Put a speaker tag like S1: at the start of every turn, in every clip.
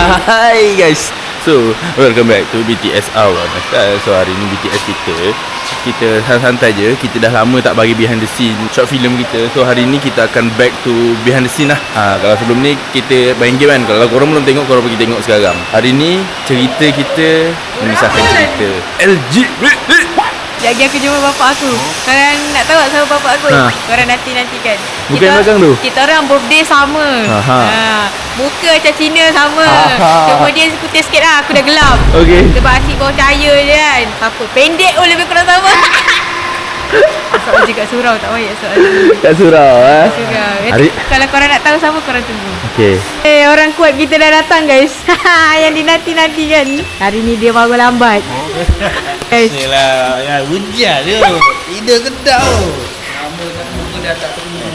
S1: Hai guys. So, welcome back to BTS Awal. So, hari ni BTS kita santai je. Kita dah lama tak bagi behind the scene short film kita. So, hari ni kita akan back to behind the scene lah. Kalau sebelum ni kita main game kan. Kalau korang belum tengok, korang pergi tengok sekarang. Hari ni cerita kita memisahkan cerita LGBT.
S2: Lagi aku jumpa bapak aku. Korang nak tahu tak siapa bapak aku? Korang nanti-nantikan.
S1: Bukan yang belakang tu?
S2: Kita orang birthday sama. Muka macam Cina sama. Cuma dia putih sikit lah. Aku dah gelap.
S1: Okay.
S2: Sebab asyik bawah cahaya je kan. Apa? Pendek pun lebih kurang sama. Soal je kat surau. Tak payah soal je.
S1: Kat surau
S2: Surau. Kalau korang nak tahu sama, korang tunggu.
S1: Okay.
S2: Orang kuat kita dah datang guys. Yang dinanti-nanti kan. Hari ni dia baru lambat. Guys.
S3: Yelah, ya hujan tu. Tidur kedap tu. Lama pun dah tak temu.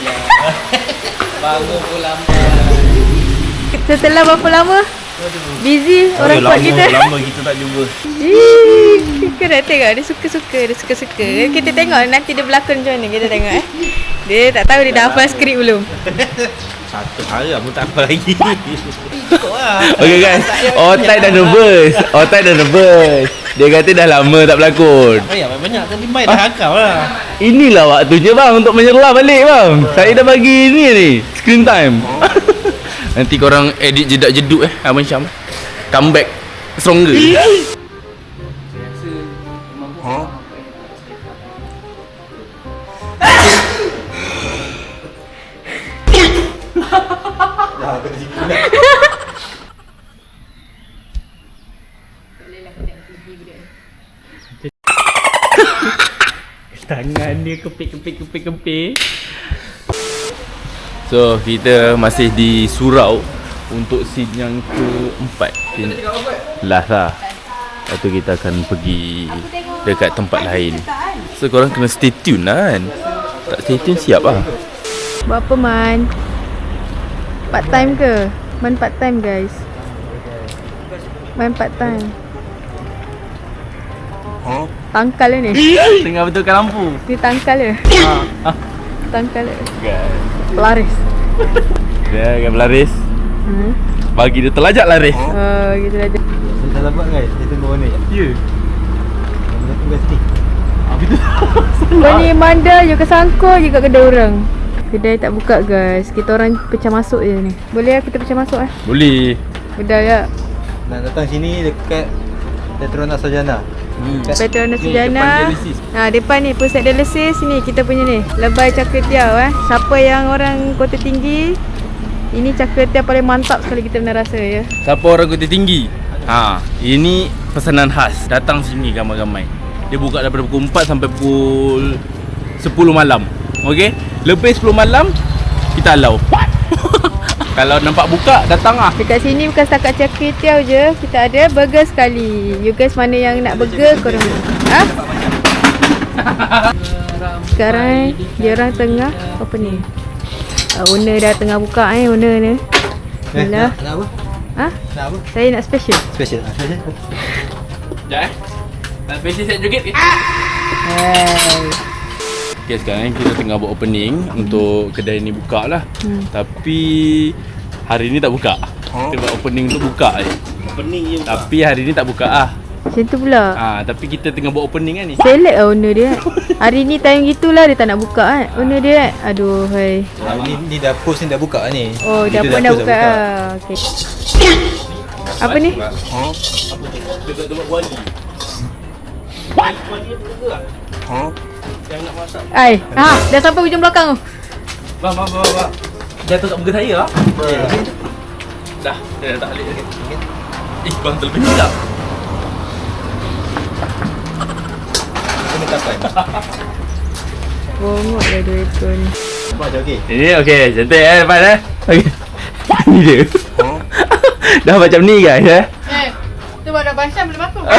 S3: Bangun pun lambat.
S2: Setelah berapa lama? Busy orang kuat kita.
S3: Lama kita tak jumpa.
S2: Kau nak tengok dia suka-suka. Kita tengok nanti dia berlakon macam mana. Kita tengok Dia tak tahu dia dah hafal skrip belum.
S3: Satu hari pun tak apa lagi.
S1: Okay guys, Otai dah nervous. Dia kata dah lama tak berlakon.
S3: Banyak tapi main dah hakau lah.
S1: Inilah waktunya bang untuk menyerlah balik bang. Saya dah bagi ni screen time. Nanti korang edit jedak-jeduk Abang Syam. Comeback stronger.
S3: Tangan dia kepik.
S1: So kita masih di surau untuk scene yang keempat. Last lah. Lepas tu kita akan pergi dekat tempat lain. So korang kena stay tune lah kan. Tak stay tune siap lah.
S2: Buat apa Man? Part time ke? Man part time guys. Man part time. Tangkal ni.
S1: Tengah betulkan lampu.
S2: Dia tangkal dia. Tangkal dia. Pelaris.
S1: Dia akan berlaris. Bagi dia terlajak laris.
S2: Gitu aja.
S3: Saya dah dapat guys. Dia tunggu ni.
S1: Ya.
S3: Dia tunggu sini.
S2: Kau ni manda je kesangkut je kat kedai orang. Kedai tak buka guys. Kita orang pecah masuk je ni. Boleh kita pecah masuk
S1: Boleh.
S2: Bedal ya.
S3: Nak datang sini dekat Petronas Sarjana.
S2: Petronas Sarjana. Depan ni pusat dialisis ni kita punya ni. Lebay Caketiau Siapa yang orang Kota Tinggi, ini Caketiau paling mantap sekali kita pernah rasa ya.
S1: Siapa orang Kota Tinggi? Ini pesanan khas. Datang sini ramai-ramai. Dia buka daripada pukul 4 sampai pukul 10 malam. Okey? Lebih 10 malam kita allow. Kalau nampak buka, datang lah.
S2: Dekat sini bukan setakat Caketiau je. Kita ada burger sekali. You guys mana yang nak burger korang. Sekarang dia orang tengah apa ni? Owner dah tengah buka owner ni. Bila?
S3: Nak apa? Nak apa?
S2: Saya nak special.
S3: Special.
S1: Sekejap nak special set joget ke? Okay, sekarang kita tengah buat opening untuk kedai ni buka lah. Tapi hari ni tak buka. Kita buat opening untuk buka je.
S3: Opening je.
S1: Tapi hari ni tak buka lah.
S2: Macam tu pula.
S1: Tapi kita tengah buat opening kan ni.
S2: Select lah owner dia. Hari ni time gitulah dia tak nak buka owner dia Aduh hai.
S3: Ni dah post ni dah buka ni.
S2: Oh dah pun dah buka Okay. Apa ni?
S1: Apa tu? Dekat tempat wali. Wali apa ke? Yang nak masak.
S2: Dah sampai hujung belakang tu.
S1: Bang. Jatuh kat muka saya lah. Dah, dia dah tak balik lagi. Bang terlebih silap.
S3: Kena tapai.
S2: Bongok dah dua ekor ni.
S3: Macam okey.
S1: Ini okey, cantik depan Okey. Ni dia. Dah macam ni guys
S2: Tu baru Basyam belum aku.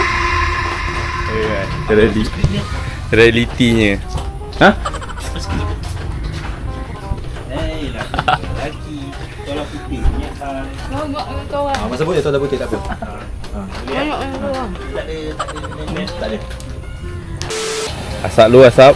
S1: Realitinya.
S3: Lelaki tolak putih ni
S2: Bongok dengan kawan.
S3: masa boleh tolak putih tak apa.
S2: Bongok dengan kawan.
S3: Tak ada.
S1: Asap lu asap.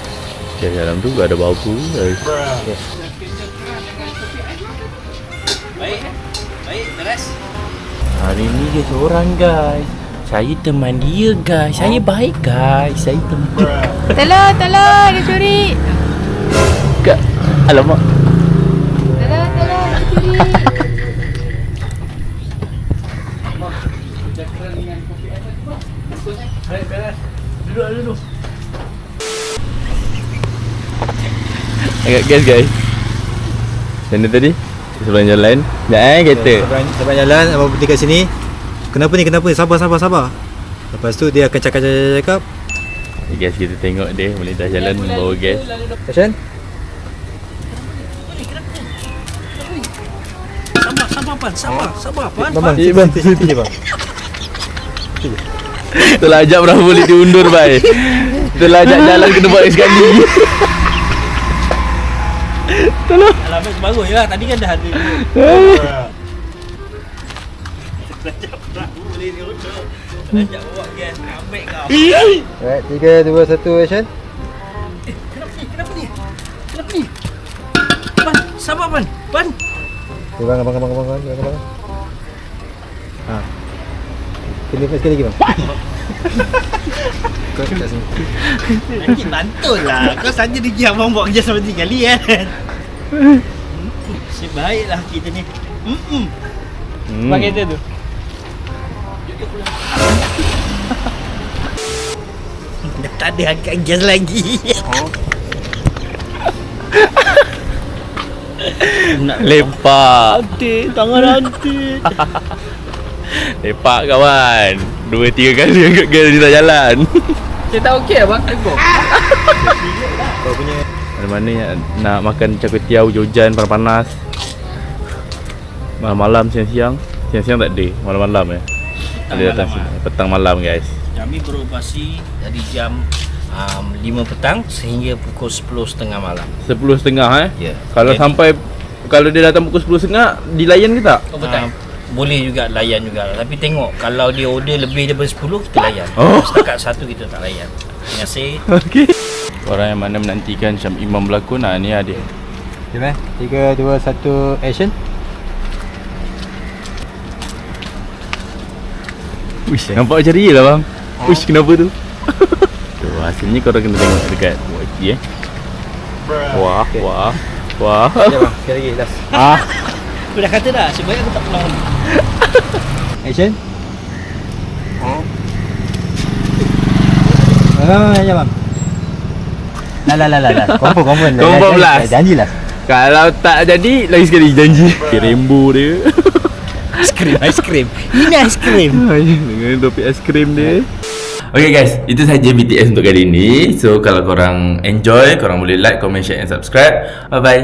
S1: Okay, dalam tu ada bau tu.
S3: Baik. Baik, beres.
S1: Hari ni dia seorang guys. Saya teman dia guys. Saya baik guys. Saya teman.
S2: Tolong, dia curi.
S1: Alamak.
S2: Tolong, dia curi.
S1: Duduk. Agak guys. Sana tadi sebelah jalan. Kereta.
S4: Sebelah jalan, abang berhenti kat sini. Kenapa ni? Sabar. Lepas tu dia akan cakap.
S1: Guys, kita tengok dia melintas jalan membawa gas.
S4: Action.
S3: Sabar, Pan.
S4: Bang. Sini bang.
S1: Terlajak berapa boleh diundur bai. Terlajak jalan kena buat sekali. Tolong.
S3: Alamat bagus je lah. Tadi kan dah ada. Terlajak perahu boleh diundur. Terlajak bawa gas. Ambil kau.
S4: Alright, 3, 2, 1, action.
S3: Kenapa ni? Pan, sabar Pan.
S4: Okay, bang. Ha. Sekali lagi bang. Kau kat sini.
S3: Nanti bantul lah. Kau saja dia abang buat kerja sampai 3 kali kan. Sebaiklah kita ni. Pakai tu. Dah tak ada angkat gas lagi.
S1: Lepak.
S3: Tangan rantai.
S1: Lepak kawan. 2-3 kali angkat gas di atas jalan.
S3: Saya tak okey abang tegur.
S4: Kau punya
S1: Mana-mana yang nak makan char kway teow hujan panas-panas. Malam-malam siang-siang tak ada. Malam-malam ya. Ada datang sini. Petang malam guys.
S3: Kami beroperasi dari jam 5 petang sehingga pukul 10.30 malam.
S1: 10.30
S3: Ya.
S1: Kalau
S3: Jadi-
S1: sampai kalau dia datang pukul 10.30 dilayan ke tak?
S3: Oh, betul. Boleh juga layan juga. Tapi tengok kalau dia order lebih daripada 10 kita layan.
S1: Oh.
S3: Setakat 1 kita tak layan. Terima kasih.
S1: Okey. Orang yang mana menantikan Syam Imam berlakon ni ada.
S4: jom 3, 2, 1, action.
S1: Wish, nampak macam real lah bang. Wish, kenapa tu? Tu hasilnya korang kena tengok dekat YT Wah.
S4: Sekali bang, sekali lagi last.
S3: Aku dah kata dah, sebaik aku tak pulang lagi.
S4: Action. Ya bang. Lah.
S1: Confirm last.
S4: Janji last.
S1: Kalau tak jadi, lagi sekali janji. Rainbow dia.
S3: Ice cream. Ini ice cream.
S1: Dengan topik es krim dia. Okay guys, itu saja BTS untuk kali ini. So kalau korang enjoy, korang boleh like, comment, share and subscribe. Bye bye.